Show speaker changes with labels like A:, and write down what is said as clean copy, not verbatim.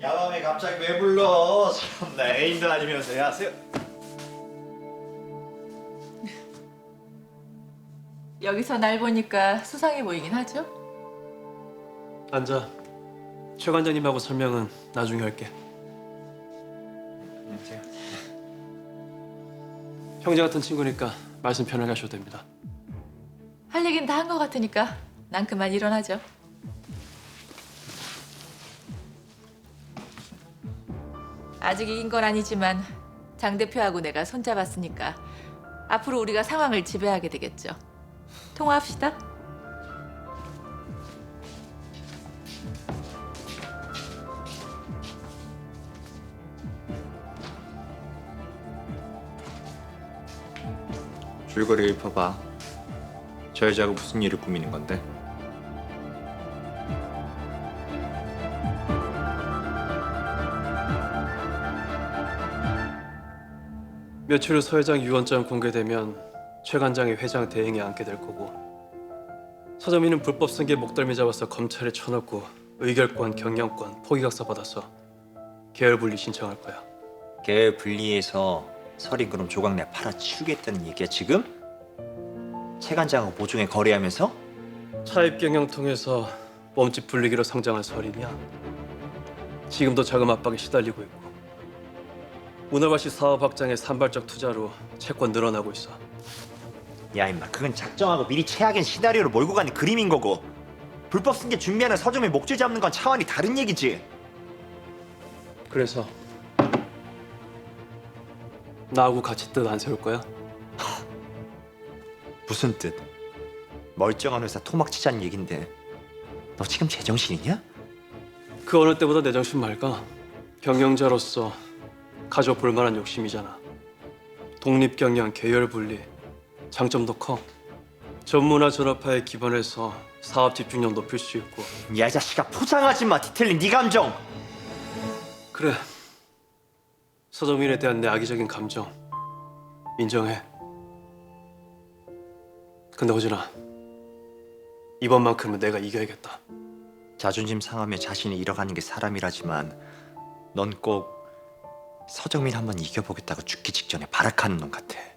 A: 야밤에 갑자기 왜 불러? 참나 애인도 아니면서. 야 세요.
B: 여기서 날 보니까 수상해 보이긴 하죠?
C: 앉아. 최 관장님하고 설명은 나중에 할게.
A: 안녕하세요.
C: 형제 같은 친구니까 말씀 편하게 하셔도 됩니다.
B: 할 얘긴 다 한 것 같으니까 난 그만 일어나죠. 아직 이긴 건 아니지만 장 대표하고 내가 손잡았으니까 앞으로 우리가 상황을 지배하게 되겠죠. 통화합시다.
A: 줄거리 읊어봐. 저 여자가 무슨 일을 꾸미는 건데?
C: 며칠 후 서 회장 유언장 공개되면 최 관장이 회장 대행에 앉게 될 거고, 서점이는 불법 승계 목덜미 잡아서 검찰에 쳐넣고 의결권, 경영권, 포기각서 받아서 계열 분리 신청할 거야.
A: 계열 분리해서 설이 그럼 조각내 팔아치우겠다는 얘기야 지금? 최 관장하고 모종에 거래하면서?
C: 차입 경영 통해서 몸집 불리기로 성장한 설이냐? 지금도 자금 압박에 시달리고 있고, 문어발시 사업 확장에 산발적 투자로 채권 늘어나고 있어.
A: 야 임마 그건 작정하고 미리 최악의 시나리오를 몰고 가는 그림인 거고, 불법 승계 준비하는 서점의 목줄 잡는 건 차원이 다른 얘기지.
C: 그래서 나하고 같이 뜻 안 세울 거야?
A: 무슨 뜻? 멀쩡한 회사 토막치자는 얘긴데 너 지금 제정신이냐?
C: 그 어느 때보다 내 정신 맑아. 경영자로서 가져볼 만한 욕심이잖아. 독립경영, 계열분리, 장점도 커. 전문화 전업화에 기반해서 사업 집중력 높일 수 있고.
A: 야 이 자식아 포장하지 마. 디테일링 네 감정.
C: 그래, 서점인에 대한 내 악의적인 감정 인정해. 근데 호진아, 이번만큼은 내가 이겨야겠다.
A: 자존심 상하며 자신을 잃어가는 게 사람이라지만 넌 꼭 서정민 한번 이겨보겠다고 죽기 직전에 발악하는 놈 같아.